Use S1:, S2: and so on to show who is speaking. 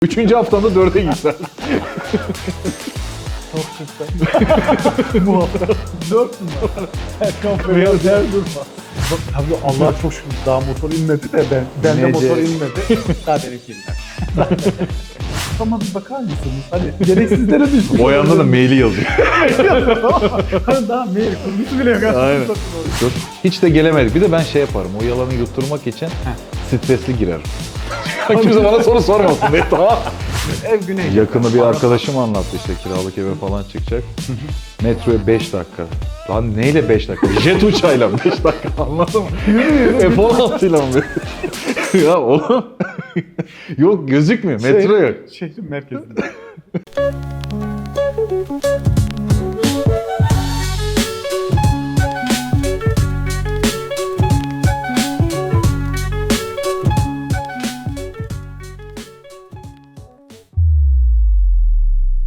S1: Üçüncü haftamda 4'e gitsen.
S2: Çok süper. Bu hafta 4 mü var? Erkan Beyaz her durma. Tabii Allah'a çok şükür daha motor inmedi de ben de motor inmedi. Daha benimkinden. Ama bir bakar mısınız? Hani gereksizlere düşmüş.
S1: O yanda da maili yazıyor.
S2: Hani daha mail kurgusu bile yok.
S1: Aynen. Dur. Hiç de gelemedik. Bir de ben şey yaparım. O yalanı yutturmak için stresli girerim. Kimse bana soru sormasın diye, tamam.
S2: Ev güney.
S1: Yakını bir arkadaşım anlattı işte, kiralık eve falan çıkacak. Metroya 5 dakika. Lan neyle 5 dakika? Jet uçağıyla 5 dakika, anladın mı? F-16 ile mi? Ya oğlum. Yok, gözükmüyor. Metro yok.
S2: Şehrin merkezinde.